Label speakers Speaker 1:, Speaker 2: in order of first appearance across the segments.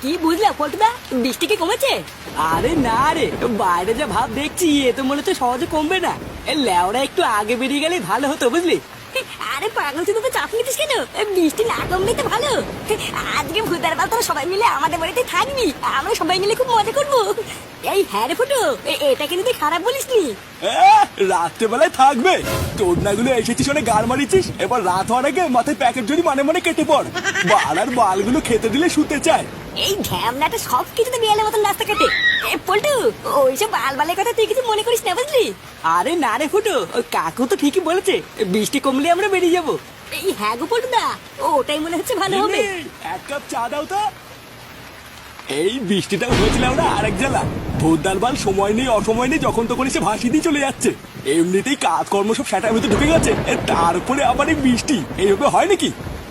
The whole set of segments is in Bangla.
Speaker 1: কি বুঝলা পল্টুদা, বৃষ্টি কি কমেছে?
Speaker 2: আরে না রে, বাইরে যা ভাব দেখছি এ তো মনে হচ্ছে সহজে কমবে না। লেওরা একটু আগে বেরিয়ে গেলেই ভালো হতো বুঝলি।
Speaker 1: আরে পাগল, তুই তো চাপ নিতিস কেন? বৃষ্টি না কমলেই তো ভালো। আজকে ভূতার বাল তোরা সবাই মিলে আমাদের বাড়িতে থাকবি, আমরা সবাই মিলে খুব মজা করবো। এই হ্যাঁ রে ফুটো, এটা কিন্তু তুই খারাপ বলিসনি।
Speaker 2: রাত্রেবেলায় থাকবে তোর নাগুলো এসেছিস অনেক গাল মারিছিস, এবার রাত হওয়ার আগে মাথায় প্যাকেট যদি মানে মানে কেটে পড়। বালার বালগুলো খেতে দিলে শুতে চায়।
Speaker 1: এই ঢ্যামনাটা সব কিছুতে বিয়ালের মতন রাস্তা কাটে। পল্টু, ওইসব বাল বালের কথা তুই কিছু মনে করিস না বুঝলি।
Speaker 2: আরে না রে ফুটো, ওই কাকু তো ঠিকই বলেছে, বৃষ্টি কমলে আমরা বেরিয়ে যাবো।
Speaker 1: এই হ্যাঁ গো পল্টুদা, ওটাই মনে হচ্ছে ভালো হবে।
Speaker 2: এক কাপ চা দাও তো। এই বৃষ্টিটা হয়েছিলাম না আরেক জ্বালা। ভোরদার বাল সময় নেই অসময় নেই, যখন তখন এসে ভাসি দিয়ে চলে যাচ্ছে। এমনিতেই কাজকর্ম সব সেটার ভিতরে ঢুকে গেছে, তারপরে আবার এই বৃষ্টি, এইভাবে হয় নাকি?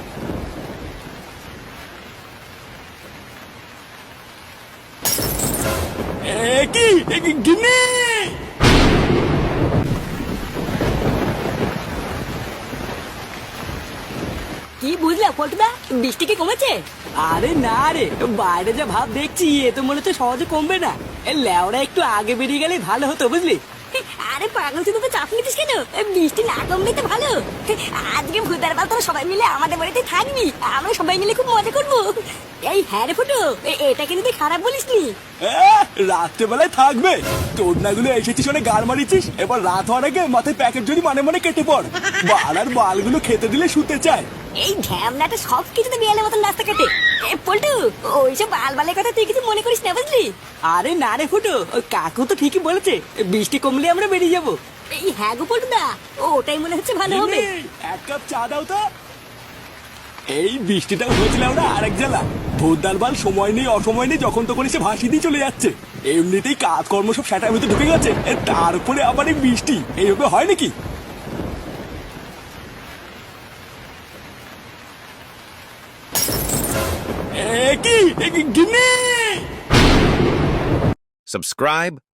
Speaker 2: গিন্নি
Speaker 1: কি বুঝলা পল্টুদা, বৃষ্টি কি কমেছে?
Speaker 2: আরে না রে, বাইরে যা ভাব দেখছি এ তো মনে হচ্ছে সহজে কমবে না। লেওরা একটু আগে বেরিয়ে গেলেই ভালো হতো বুঝলি।
Speaker 1: আরে পাগল, তুই তো চাপ নিতিস কেন? বৃষ্টি না কমলেই তো ভালো। আজকে ভূতার বাল তোরা সবাই মিলে আমাদের বাড়িতে থাকবি, আমরা সবাই মিলে খুব মজা করবো। এই হ্যাঁ রে ফুটো, এটা কিন্তু তুই খারাপ বলিসনি।
Speaker 2: রাত্রেবেলায় থাকবে তোর নাগুলো এসেছিস অনেক গাল মারিছিস, এবার রাত হওয়ার আগে মাথায় প্যাকেট যদি মানে মানে কেটে পড়। বালার বালগুলো খেতে দিলে শুতে চায়।
Speaker 1: এই ঢ্যামনাটা সব কিছুতে বিয়ালের মতন রাস্তা কাটে। পল্টু, ওইসব বাল বালের কথা তুই কিছু মনে করিস না বুঝলি।
Speaker 2: আরে না রে ফুটো, ওই কাকু তো ঠিকই বলেছে, বৃষ্টি কমলে আমরা বেরিয়ে যাবো।
Speaker 1: এই হ্যাঁ গো পল্টুদা, ওটাই মনে হচ্ছে ভালো হবে।
Speaker 2: এক কাপ চা দাও তো। এই বৃষ্টিটা হয়েছিলাম না আরেক জ্বালা। ভোরদার বাল সময় নেই অসময় নেই, যখন তখন এসে ভাসি দিয়ে চলে যাচ্ছে। এমনিতেই কাজকর্ম সব সেটার ভিতরে ঢুকে গেছে, তারপরে আবার এই বৃষ্টি, এইভাবে হয় নাকি? গিন্নি
Speaker 3: Subscribe,